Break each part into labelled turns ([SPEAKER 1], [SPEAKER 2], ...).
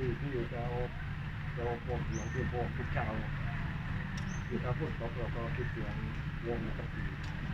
[SPEAKER 1] ที่จะเอาพวกเสียงคือพวกทุกเช้าคือถ้าพูดตกเราก็คิดเสียงวงสักที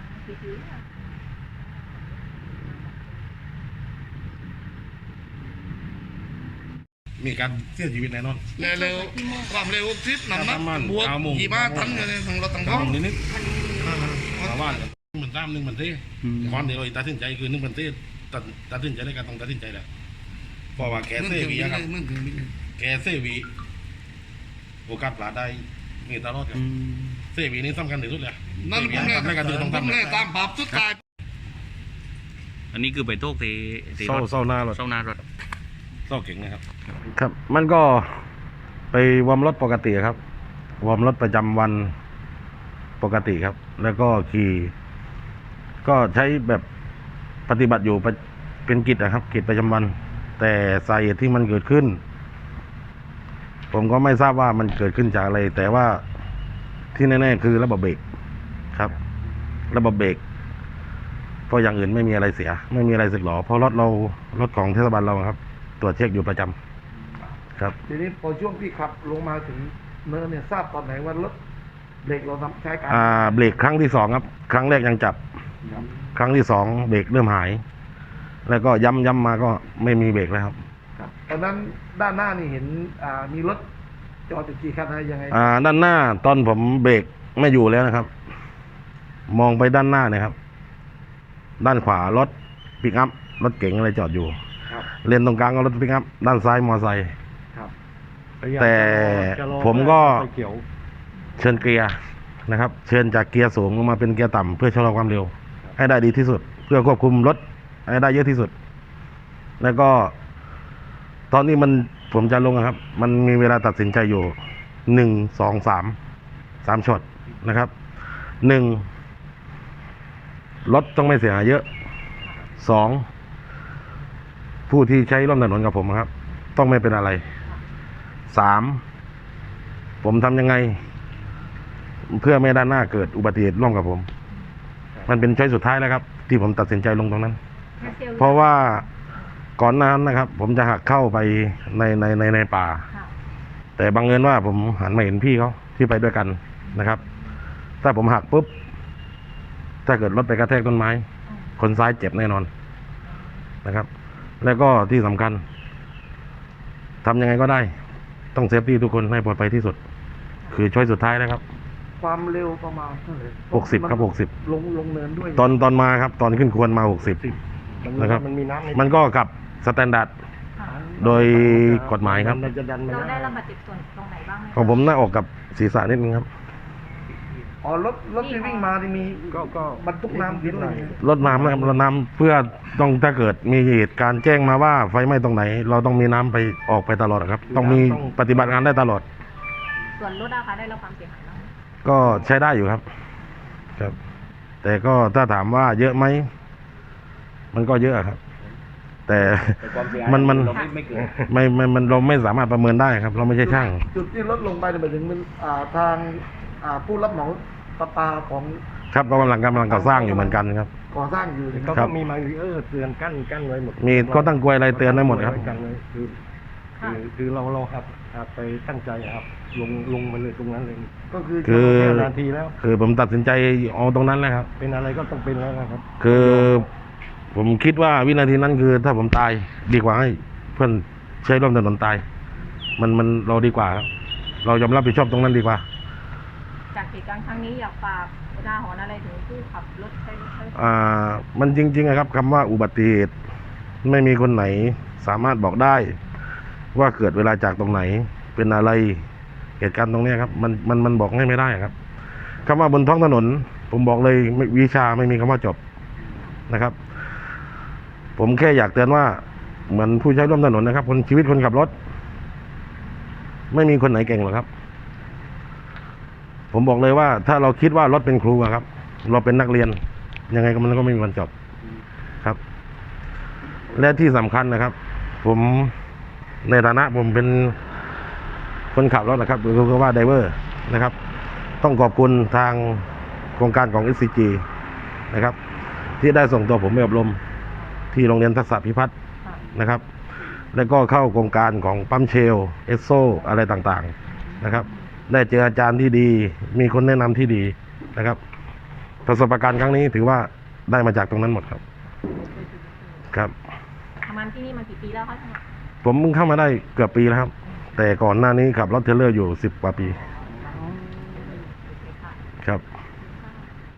[SPEAKER 2] มีการเสียชีวิตแน่นอน
[SPEAKER 3] เร็วความเร็วทิศนำนักบวกขี่ม้าทันอยู่ในทางรถทางท้อง
[SPEAKER 2] นิดชาวบ้านเหมือน1 มันเต้ความเดียวตัดสินใจคือ1 มันเต้ตัดสินใจในการต้องตัดสินใจแหละเพราะว่าแกเซวีครับแกเซวีโอกาสปลาได้มีตลอดครับเซวีนี่สำคัญที่สุดเลย
[SPEAKER 3] นั่นผมเนี่ยตามภาพสุดท้าย
[SPEAKER 4] อันนี้คือไปโต๊ะที่
[SPEAKER 2] เศร้าหน้ารถ
[SPEAKER 4] เศร้า
[SPEAKER 2] เก่งนะครับ
[SPEAKER 5] ครับมันก็ไปวอร์มรถปกติครับวอร์มรถประจำวันปกติครับแล้วก็ขี่ก็ใช้แบบปฏิบัติอยู่เป็นกิจนะครับกิจประจำวันแต่สาเหตุที่มันเกิดขึ้นผมก็ไม่ทราบว่ามันเกิดขึ้นจากอะไรแต่ว่าที่แน่ๆคือระบบเบรกครับระบบเบรกเพราะอย่างอื่นไม่มีอะไรเสียไม่มีอะไรสึกหรอเพราะรถของเทศบาลเราครับตรวจเช็คอยู่ประจำครับ
[SPEAKER 1] ทีนี้พอช่วงที่ขับลงมาถึงเนินเนี่ยทราบตอนไหนว่ารถเบรกเราใช้การ
[SPEAKER 5] เบรกครั้งที่2ครับครั้งแรกยังจับครั้งที่2เบรกเริ่มหายแล้วก็ย้ำมาก็ไม่มีเบรกแล้วครับ
[SPEAKER 1] ตอนนั้นด้านหน้านี่เห็นมีรถจอดอยู่กี่คันอะไรยังไง
[SPEAKER 5] ด้านหน้าตอนผมเบรกไม่อยู่แล้วนะครับมองไปด้านหน้าเนี่ยครับด้านขวารถปิกอัพรถเก๋งอะไรจอดอยู่เลนตรงกลางก็รถปิกอัพด้านซ้ายมอไซค์แต่ผมก็เชิญเกียร์นะครับเชิญจากเกียร์สูงลงมาเป็นเกียร์ต่ำเพื่อชะลอความเร็วให้ได้ดีที่สุดเพื่อควบคุมรถให้ได้เยอะที่สุดแล้วก็ตอนนี้ผมจะลงครับมันมีเวลาตัดสินใจอยู่1 2 3ช็อตนะครับ1รถต้องไม่เสียหายเยอะ2ผู้ที่ใช้ร่วมถนนกับผมครับต้องไม่เป็นอะไร3ผมทำยังไงเพื่อไม่ด้านหน้าเกิดอุบัติเหตุร่วมกับผมมันเป็นช้อยสุดท้ายแล้วครับที่ผมตัดสินใจลงตรงนั้นเพราะว่าก่อนหน้านั้นนะครับผมจะหักเข้าไปในป่าแต่บังเอิญว่าผมหันมาเห็นพี่เขาที่ไปด้วยกันนะครับถ้าผมหักปุ๊บถ้าเกิดรถไปกระแทกต้นไม้คนซ้ายเจ็บแน่นอนนะครับแล้วก็ที่สำคัญทำยังไงก็ได้ต้องเซฟตี้ทุกคนให้ปลอดภัยที่สุดคือช้อยสุดท้ายแล้วครับ
[SPEAKER 1] ความเร็วประมาณเท่าไหร่
[SPEAKER 5] 60ครับ60
[SPEAKER 1] ลงเนินด้วย
[SPEAKER 5] ตอนมาครับตอนขึ้นควรมา60นะครับมันก็กับสแตนดาร์ดโดยกฎหมายครับ
[SPEAKER 6] เราได้รับบาดเจ็บส่วนตรงไหนบ้างไหม
[SPEAKER 5] ของผมหน้าอกกับศีรษะนิดนึงครับ
[SPEAKER 1] รถที่วิ่งมาที่มีก็บรรทุกน้ำด้วย
[SPEAKER 5] รถน้ำนะครับรถน้ำเพื่อต้องถ้าเกิดมีเหตุการณ์แจ้งมาว่าไฟไหม้ตรงไหนเราต้องมีน้ำไปออกไปตลอดครับต้องมีปฏิบัติงานได้ตลอด
[SPEAKER 6] ส่วนรถอะคะได้รับความเสียหายบ้าง
[SPEAKER 5] ก็ใช้ได้อยู่ครับแต่ก็ถ้าถามว่าเยอะไหมมันก็เยอะครับแต่มันเราไม่สามารถประเมินได้ครับเราไม่ใช่ช่าง
[SPEAKER 1] จุดที่รถลงไปเนี่ยหมายถึงมันทางผู้รับเหมาประปาของ
[SPEAKER 5] ครับเรากำลังก่อสร้างอยู่เหมือนกันครับ
[SPEAKER 1] ก่อสร้างอยู่
[SPEAKER 5] เขา
[SPEAKER 1] ก็มีมาริเออร์เตือนกั้นไว้หมด
[SPEAKER 5] มีก็ตั้งกลวยอะไรเตือนไว้หมดครับ
[SPEAKER 1] คือเราครับไปตั้งใจครับลงไปเลยตรงนั้นเลยก็
[SPEAKER 5] คือ
[SPEAKER 1] นาทีแล้ว
[SPEAKER 5] คือผมตัดสินใจเอาตรงนั้นแล้วครับ
[SPEAKER 1] เป็นอะไรก็ต้องเป็นแล้วครับ
[SPEAKER 5] คือผมคิดว่าวินาทีนั้นคือถ้าผมตายดีกว่าให้เพื่อนใช้ร่วมถนนตายมันเราดีกว่าครับเรายอมรับผิดชอบตรงนั้นดีกว่า
[SPEAKER 6] จากเหตุการณ์ครั้งนี้อยากฝากอุทาหรณ์อะไรถึงผู้ขับรถใช้รถ
[SPEAKER 5] มันจริงๆนะครับคำว่าอุบัติเหตุไม่มีคนไหนสามารถบอกได้ว่าเกิดเวลาจากตรงไหนเป็นอะไรเหตุการณ์ตรงนี้ครับมันบอกให้ไม่ได้ครับคำว่าบนท้องถนนผมบอกเลยวิชาไม่มีคำว่าจบนะครับผมแค่อยากเตือนว่าเหมือนผู้ใช้ร่วมถนนนะครับชีวิตคนขับรถไม่มีคนไหนเก่งหรอกครับผมบอกเลยว่าถ้าเราคิดว่ารถเป็นครูครับเราเป็นนักเรียนยังไงก็มันก็ไม่มีวันจบครับและที่สำคัญนะครับผมในฐานะผมเป็นคนขับรถนะครับหรือก็ว่าไดเวอร์นะครับต้องขอบคุณทางโครงการของ SCG นะครับที่ได้ส่งตัวผมไปอบรมที่โรงเรียนทักษะพิพัฒน์นะครับแล้วก็เข้าโครงการของปั๊มเชลเอสโซอะไรต่างๆนะครับ ได้เจออาจารย์ที่ดี มีคนแนะนำที่ดีนะครับ ประสบการณ์ครั้งนี้ถือว่าได้มาจากตรงนั้นหมดครับ ครับ
[SPEAKER 6] ทำงานที่นี่มากี่ปีแล้วคะ
[SPEAKER 5] ผมเพิ่งเข้ามาได้เกือบปีแล้วครับ แต่ก่อนหน้านี้ขับรถเทรลเลอร์อยู่10 กว่าปี
[SPEAKER 6] โอเคค่ะ
[SPEAKER 5] ครับ